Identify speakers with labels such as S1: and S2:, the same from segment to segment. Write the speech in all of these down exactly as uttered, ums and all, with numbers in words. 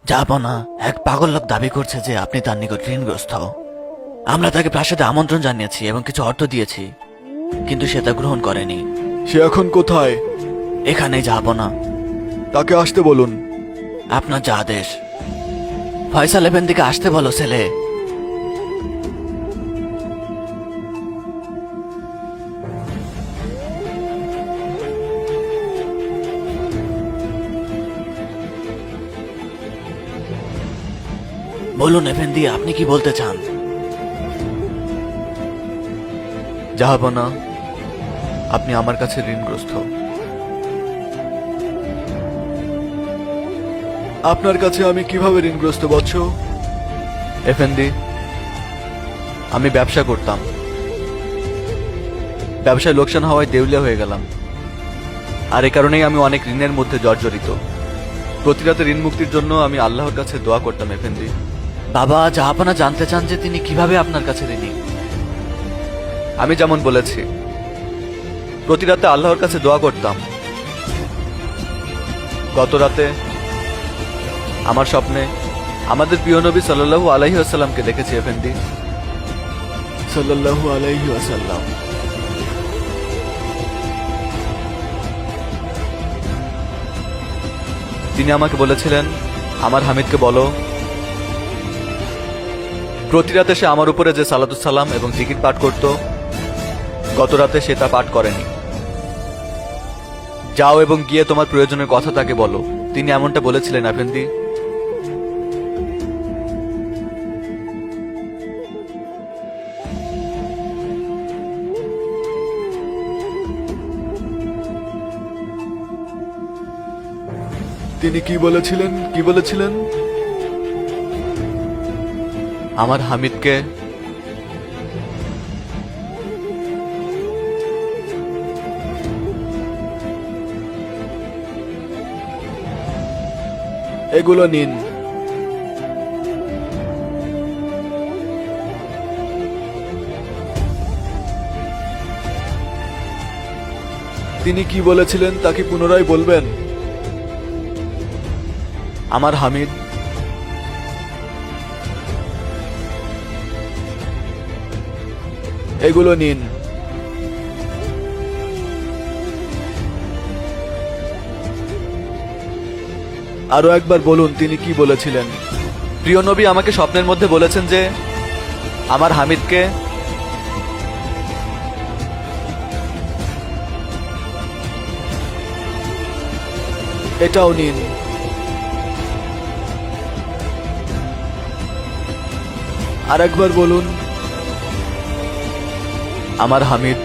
S1: যাব না। এক পাগল লোক দাবি করছে যে আপনি তার নিকট ঋণগ্রস্ত। আমরা তাকে প্রাসাদে আমন্ত্রণ জানিয়েছি এবং কিছু অর্থ দিয়েছি, কিন্তু সে তা গ্রহণ করেনি।
S2: সে এখন কোথায়?
S1: এখানে যাব না।
S2: তাকে আসতে বলুন।
S1: আপনার যা আদেশ। ফয়সাল এফেন্দিকে আসতে বলো ছেলে। বলুন এফেন্দি, আপনি কি বলতে চান?
S2: যাব না, আপনি আমার কাছে ঋণগ্রস্ত। আপনার কাছে আমি কিভাবে ঋণগ্রস্ত বৎস? এফেন্দি, আমি ব্যবসা করতাম, ব্যবসায় লোকসান হওয়ায় দেউলিয়া হয়ে গেলাম, আর এ কারণেই আমি অনেক ঋণের মধ্যে জর্জরিত। প্রতি রাতে ঋণ মুক্তির জন্য আমি আল্লাহর কাছে দোয়া করতাম এফেন্দি।
S1: বাবা, জাহাপনা জানতে চান যে তিনি কিভাবে আপনার কাছে ঋণী।
S2: আমি যেমন বলেছি, প্রতি রাতে আল্লাহর কাছে দোয়া করতাম। গত রাতে আমার স্বপ্নে আমাদের প্রিয় নবী সাল্লাল্লাহু আলাইহি ওয়াসাল্লামকে দেখেছি এফেন্দি। সাল্লাল্লাহু আলাইহি ওয়াসাল্লাম। তিনি আমাকে বলেছিলেন, আমার হামিদকে বলো প্রতি রাতে সে আমার উপরে যে সালাতুস সালাম এবং জিকির পাঠ করত, গত রাতে সে তা পাঠ করেনি। যাও এবং গিয়ে তোমার প্রয়োজনের কথা তাকে বলো। তিনি এমনটা বলেছিলেন আফেন্দি। তিনি কি বলেছিলেন? কি বলেছিলেন? আমার হামিদকে এগুলো নিন। তিনি কি বলেছিলেন তা কি পুনরায় বলবেন? আমার হামিদ এগুলো নিন। আরো একবার বলুন তিনি কি বলেছিলেন। প্রিয় নবী আমাকে স্বপ্নের মধ্যে বলেছেন যে আমার হামিদকে এটাও নিন। আর একবার বলুন আমার হামিদ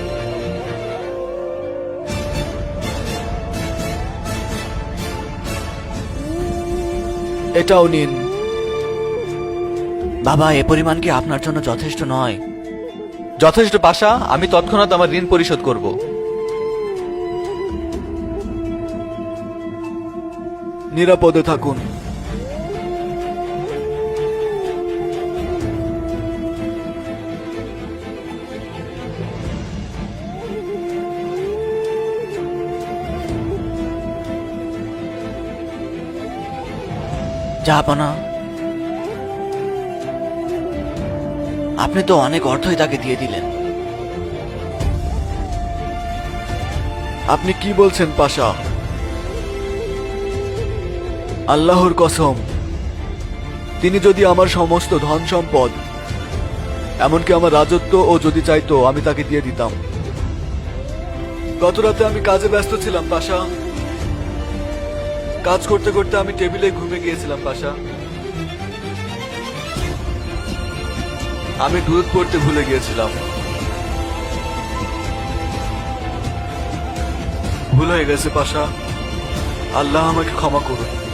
S2: এটাও নিন।
S1: বাবা, এ পরিমাণ কি আপনার জন্য যথেষ্ট নয়?
S2: যথেষ্ট পাশা, আমি তৎক্ষণাৎ আমার ঋণ পরিশোধ করব। নিরাপদে থাকুন।
S1: জাহাপনা, আপনি তো অনেক অর্থই তাকে দিয়ে দিলেন।
S2: আপনি কি বলছেন পাশা? আল্লাহর কসম, তিনি যদি আমার সমস্ত ধন সম্পদ, এমনকি আমার রাজত্ব ও যদি চাইতো আমি তাকে দিয়ে দিতাম। গত রাতে আমি কাজে ব্যস্ত ছিলাম পাশা। কাজ করতে করতে আমি টেবিলে ঘুমে গিয়েছিলাম পাশা। আমি দুধ পড়তে ভুলে গিয়েছিলাম। ভুল হয়ে গেছে পাশা, আল্লাহ আমাকে ক্ষমা করুন।